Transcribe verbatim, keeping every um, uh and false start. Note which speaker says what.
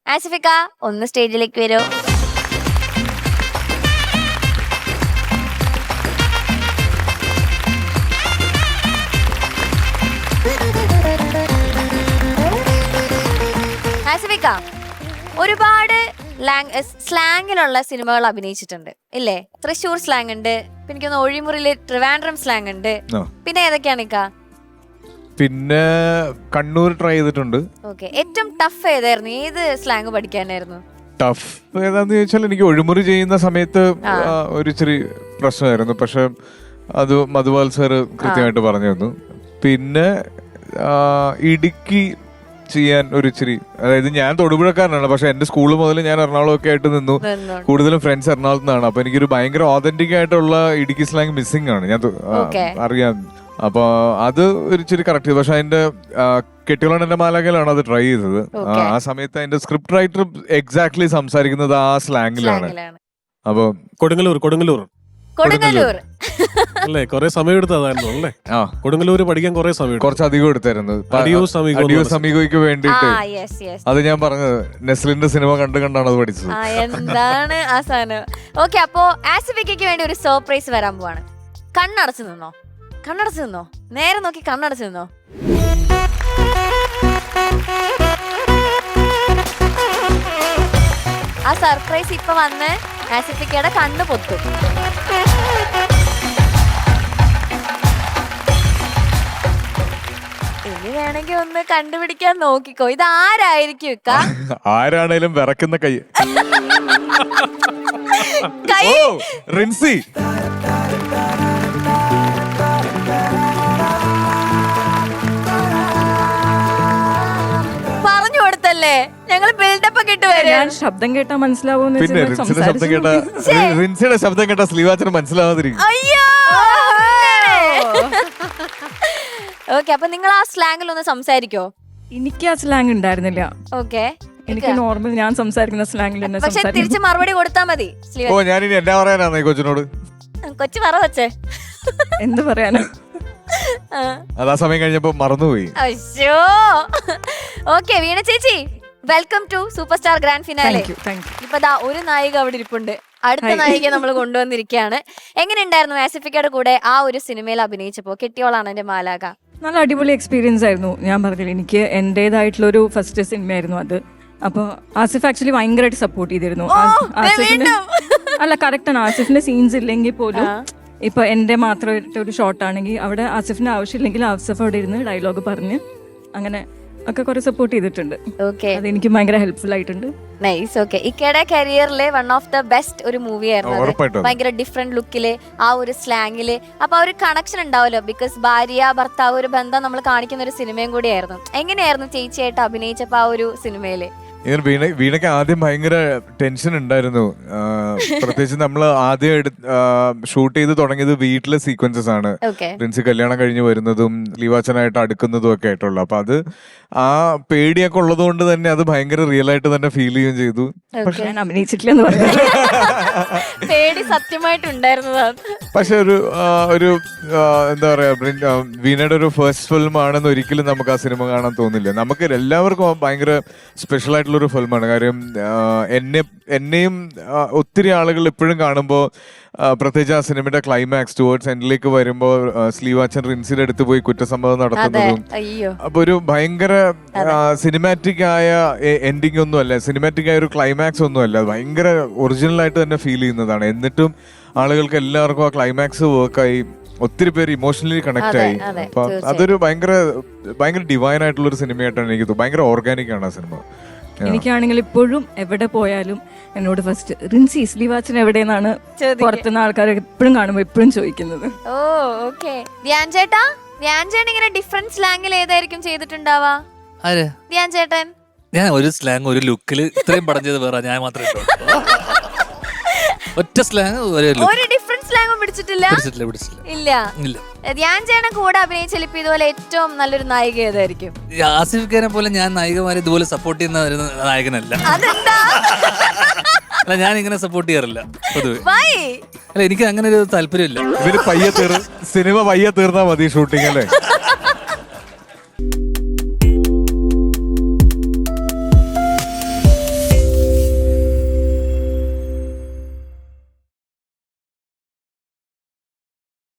Speaker 1: ആസിഫിക്ക ഒന്ന് സ്റ്റേജിലേക്ക് വരൂ. ആസിഫിക്ക ഒരുപാട് സ്ലാങ്ങിലുള്ള സിനിമകൾ അഭിനയിച്ചിട്ടുണ്ട് ഇല്ലേ? തൃശ്ശൂർ സ്ലാങ് ഉണ്ട്, പിന്നെ എനിക്കൊന്ന് ഒഴിമുറിയില് ട്രിവാൻഡ്രം സ്ലാങ് ഉണ്ട്, പിന്നെ ഏതൊക്കെയാണ് ഇക്ക?
Speaker 2: പിന്നെ കണ്ണൂർ ട്രൈ ചെയ്തിട്ടുണ്ട്.
Speaker 1: ഓക്കെ, ഏറ്റവും ടഫ് ഏതായിരുന്നു? ഏത് സ്ലാങ് പഠിക്കാനായിരുന്നു
Speaker 2: ടഫ് ഏതാന്ന് ചോദിച്ചാൽ എനിക്ക് ഒഴിമുറി ചെയ്യുന്ന സമയത്ത് ഒരു ഇച്ചിരി പ്രശ്നമായിരുന്നു. പക്ഷെ അത് മധുപാൽ സാറ് കൃത്യമായിട്ട് പറഞ്ഞു തന്നു. പിന്നെ ഇടുക്കി ചെയ്യാൻ ഒരു ഇച്ചിരി, അതായത് ഞാൻ തൊടുപുഴക്കാരനാണ്, പക്ഷെ എന്റെ സ്കൂൾ മുതൽ ഞാൻ എറണാകുളം ഒക്കെ ആയിട്ട് നിന്നു. കൂടുതലും ഫ്രണ്ട്സ് എറണാകുളത്ത് നിന്നാണ്. അപ്പൊ എനിക്കൊരു ഭയങ്കര ഓതന്റിക് ആയിട്ടുള്ള ഇടുക്കി സ്ലാങ് മിസ്സിംഗ് ആണ്, ഞാൻ അറിയാം. അപ്പൊ അത് ഒരു ഇച്ചിരി കറക്റ്റ്. പക്ഷെ അതിന്റെ കെട്ടിയോളാണ് എന്റെ മാലാഖയിലാണ് അത് ട്രൈ ചെയ്തത്. ആ സമയത്ത് അതിന്റെ സ്ക്രിപ്റ്റ് റൈറ്റർ എക്സാക്ട്ലി സംസാരിക്കുന്നത് ആ സ്ലാങ്ങിലാണ്. അപ്പൊ
Speaker 3: കൊടുങ്ങല്ലൂർ കൊടുങ്ങല്ലൂർ
Speaker 1: കൊടുങ്ങല്ലൂർ
Speaker 3: അല്ലേ? കൊറേ സമയം എടുത്തതായിരുന്നു അല്ലേ? ആ, കൊടുങ്ങല്ലൂര് പഠിക്കാൻ കൊറേ സമയം,
Speaker 2: കുറച്ചധികം എടുത്തായിരുന്നു സമീകോയ്ക്ക് വേണ്ടിട്ട്. അത് ഞാൻ പറഞ്ഞത് നെസ്ലിന്റെ സിനിമ കണ്ട് കണ്ടാണ് അത് പഠിച്ചത്.
Speaker 1: എന്താണ് ആ സാധനം? ഓക്കെ, അപ്പോ ആസിഫിക്കയ്ക്ക് വേണ്ടി ഒരു സർപ്രൈസ് വരാൻ പോവാണ്. കണ്ണടച്ചു നിന്നോ, കണ്ണടച്ചു നിന്നോ, നേരെ നോക്കി കണ്ണടച്ചു നിന്നോ. ആ സർപ്രൈസ് ഇപ്പൊ വന്ന് ആസിഫിക്കയുടെ കണ്ണ് പൊത്തും. ഇനി വേണമെങ്കിൽ ഒന്ന് കണ്ടുപിടിക്കാൻ നോക്കിക്കോ. ഇത് ആരായിരിക്കും ഇക്ക?
Speaker 2: ആരാണേലും വിറക്കുന്ന കൈ.
Speaker 1: കൈ
Speaker 2: റിൻസി.
Speaker 1: പറഞ്ഞു കൊടുത്തല്ലേ, ഞങ്ങള് ബിൽഡപ്പ് ഒക്കെ ഇട്ട് വരും.
Speaker 4: ശബ്ദം കേട്ടാ മനസ്സിലാവുന്ന.
Speaker 2: പിന്നെ റിൻസിയുടെ ശബ്ദം കേട്ടാ റിൻസിയുടെ ശബ്ദം കേട്ടാ സ്ലീവാച്ചന് മനസ്സിലാവാതിരിക്കും.
Speaker 1: അയ്യോ. ഓക്കെ, അപ്പൊ നിങ്ങൾ ആ സ്ലാങ്ങിൽ ഒന്ന് സംസാരിക്കോ?
Speaker 4: എനിക്ക് ആ സ്ലാങ് ഉണ്ടായിരുന്നില്ല.
Speaker 1: ഓക്കെ,
Speaker 4: എനിക്ക് നോർമൽ ഞാൻ സംസാരിക്കുന്ന സ്ലാങ്ങിൽ തന്നെ
Speaker 1: പക്ഷെ തിരിച്ച് മറുപടി കൊടുത്താ മതി.
Speaker 2: ഓ, ഞാനിനി എന്നാ പറയാനാണ് ഈ കൊച്ചിനോട്?
Speaker 1: കൊച്ചു പറ വച്ചേ,
Speaker 4: എന്ത് പറയാനാ?
Speaker 2: അതാ സമയം കഴിഞ്ഞപ്പോ മറന്നുപോയി.
Speaker 1: അയ്യോ. ഓക്കെ, വീണ ചേച്ചി, welcome to super star grand finale. ഇപ്പൊ ദാ ഒരു നായിക അവിടെ ഇരിപ്പുണ്ട്. അടുത്ത നായികയെ നമ്മൾ കൊണ്ടുവന്നിരിക്കുകയാണ്. എങ്ങനെയുണ്ടായിരുന്നു ആസിഫിക്കയുടെ കൂടെ ആ ഒരു സിനിമയിൽ അഭിനയിച്ചപ്പോ? കെട്ടിയോളാണ് എന്റെ മാലാക.
Speaker 4: നല്ല അടിപൊളി എക്സ്പീരിയൻസ് ആയിരുന്നു. ഞാൻ പറഞ്ഞില്ല, എനിക്ക് എന്റേതായിട്ടുള്ളൊരു ഫസ്റ്റ് സിനിമയായിരുന്നു അത്. അപ്പൊ ആസിഫ് ആക്ച്വലി ഭയങ്കരമായിട്ട് സപ്പോർട്ട് ചെയ്തിരുന്നു. ആസിഫിന്റെ അല്ല കറക്റ്റ് ആണ്, ആസിഫിന്റെ സീൻസ് ഇല്ലെങ്കിൽ പോലും ഇപ്പൊ എന്റെ മാത്രമായിട്ട് ഒരു ഷോട്ട് ആണെങ്കിൽ അവിടെ ആസിഫിന്റെ ആവശ്യമില്ലെങ്കിൽ ആസിഫ് അവിടെ ഇരുന്ന് ഡയലോഗ് പറഞ്ഞ് അങ്ങനെ ഒക്കെ കുറെ സപ്പോർട്ട് ചെയ്തിട്ടുണ്ട്. അത് എനിക്ക് ഭയങ്കര ഹെൽപ്ഫുൾ ആയിട്ടുണ്ട്.
Speaker 1: നൈസ്. ഓക്കെ, ഇക്കയുടെ കരിയറിലെ വൺ ഓഫ് ദ ബെസ്റ്റ് ഒരു മൂവി ആയിരുന്നു. ഭയങ്കര ഡിഫറെന്റ് ലുക്കില്, ആ ഒരു സ്ലാങ്ങില്. അപ്പൊ ആ ഒരു കണക്ഷൻ ഉണ്ടാവല്ലോ, ബിക്കോസ് ഭാര്യ ഭർത്താവ് ഒരു ബന്ധം നമ്മൾ കാണിക്കുന്ന ഒരു സിനിമയും കൂടിയായിരുന്നു. എങ്ങനെയായിരുന്നു ചേച്ചിയായിട്ട് അഭിനയിച്ചപ്പോ ആ ഒരു സിനിമയില്?
Speaker 2: ഇങ്ങനെ വീണ വീണയ്ക്ക് ആദ്യം ഭയങ്കര ടെൻഷൻ ഉണ്ടായിരുന്നു. പ്രത്യേകിച്ച് നമ്മൾ ആദ്യം ഷൂട്ട് ചെയ്ത് തുടങ്ങിയത് വീട്ടിലെ സീക്വൻസസ് ആണ്. പ്രിൻസി കല്യാണം കഴിഞ്ഞ് വരുന്നതും ലീവാച്ചനായിട്ട് അടുക്കുന്നതും ഒക്കെ ആയിട്ടുള്ള. അപ്പൊ അത് ആ പേടിയൊക്കെ ഉള്ളത് കൊണ്ട് തന്നെ അത് ഭയങ്കര റിയൽ ആയിട്ട് തന്നെ ഫീൽ ചെയ്യുകയും ചെയ്തു.
Speaker 4: പക്ഷെ ഞാൻ അഭിനയിച്ചിട്ടില്ലെന്ന് പറഞ്ഞു.
Speaker 1: പേടി സത്യമായിട്ടുണ്ടായിരുന്നതാണ്.
Speaker 2: പക്ഷെ ഒരു ഒരു എന്താ പറയാ, വീണയുടെ ഒരു ഫസ്റ്റ് ഫിലിം ആണെന്ന് ഒരിക്കലും നമുക്ക് ആ സിനിമ കാണാൻ തോന്നില്ല. നമുക്ക് എല്ലാവർക്കും ഭയങ്കര സ്പെഷ്യൽ ആയിട്ടുള്ള ഒരു ഫിലിമാണ്. കാര്യം എന്നെ എന്നെയും ഒത്തിരി ആളുകൾ ഇപ്പോഴും കാണുമ്പോൾ, പ്രത്യേകിച്ച് ആ സിനിമയുടെ ക്ലൈമാക്സ് ടുവേർഡ്സ് എൻഡിലേക്ക് വരുമ്പോൾ സ്ലീവാച്ചൻ റിൻസിയുടെ അടുത്ത് പോയി കുറ്റസമ്മതം നടത്തുന്നതും, അപ്പൊ ഒരു ഭയങ്കര സിനിമാറ്റിക് ആയ എൻഡിങ് ഒന്നും അല്ല, സിനിമാറ്റിക് ആയ ഒരു ക്ലൈമാക്സ് ഒന്നും അല്ല, ഭയങ്കര ഒറിജിനൽ ആയിട്ട് തന്നെ ഫീൽ ചെയ്യുന്നതാണ്. എന്നിട്ടും ആളുകൾക്ക് എല്ലാവർക്കും ആ ക്ലൈമാക്സ് വർക്കായി, ഒത്തിരി പേര് ഇമോഷണലി കണക്ട് ആയി. അപ്പൊ അതൊരു ഭയങ്കര ഭയങ്കര ഡിവൈൻ ആയിട്ടുള്ള ഒരു സിനിമയായിട്ടാണ് എനിക്ക് തോന്നുന്നത്. ഭയങ്കര ഓർഗാനിക് ആണ് ആ സിനിമ.
Speaker 4: എനിക്കാണെങ്കിൽ ഇപ്പോഴും എവിടെ പോയാലും എന്നോട് ഫസ്റ്റ് റിൻസി സ്ലീവാച്ചൻ എവിടെയെന്നാണ് പുറത്തുനിന്ന് ആൾക്കാർ എപ്പോഴും കാണുമ്പോൾ എപ്പോഴും ചോദിക്കുന്നത്.
Speaker 1: ഓ, ഓക്കെ. ധ്യാൻ ചേട്ടാ, ധ്യാൻ ചേട്ടൻ ഇങ്ങനെ ഡിഫറെന്റ് സ്ലാങ്ങിൽ ഏതായിരിക്കും ചെയ്തിട്ടുണ്ടാവാ? ധ്യാൻ ചേട്ടൻ
Speaker 5: ഞാൻ ഒരു സ്ലാങ് ഒരു ലുക്കില് ഇത്രയും പടം ചെയ്ത് വേറെ ഞാൻ മാത്രമേ ഒറ്റ സ്ലാങ്
Speaker 1: ഒരു ഡിഫറെന്റ് സ്ലാങ് പിടിച്ചിട്ടില്ല. ഇല്ല, ധ്യാൻ ചേട്ടൻ കൂടെ അഭിനയിച്ചാൽ ഇപ്പൊ ഇതുപോലെ ഏറ്റവും നല്ലൊരു നായിക ഏതായിരിക്കും?
Speaker 5: ആസിഫ് ഖാനെ പോലെ ഞാൻ നായികമാരെ ഇതുപോലെ സപ്പോർട്ട് ചെയ്യുന്ന ഒരു നായകനല്ല.
Speaker 1: അതെന്താ?
Speaker 5: അല്ല, ഞാൻ ഇങ്ങനെ സപ്പോർട്ട് ചെയ്യാറില്ല പൊതുവെ. അല്ല, എനിക്ക് അങ്ങനെ ഒരു താല്പര്യമില്ല.
Speaker 2: ഇവര് പയ്യെ തീർ സിനിമ പയ്യെ തീർന്നാ മതി ഷൂട്ടിംഗ് അല്ലേ?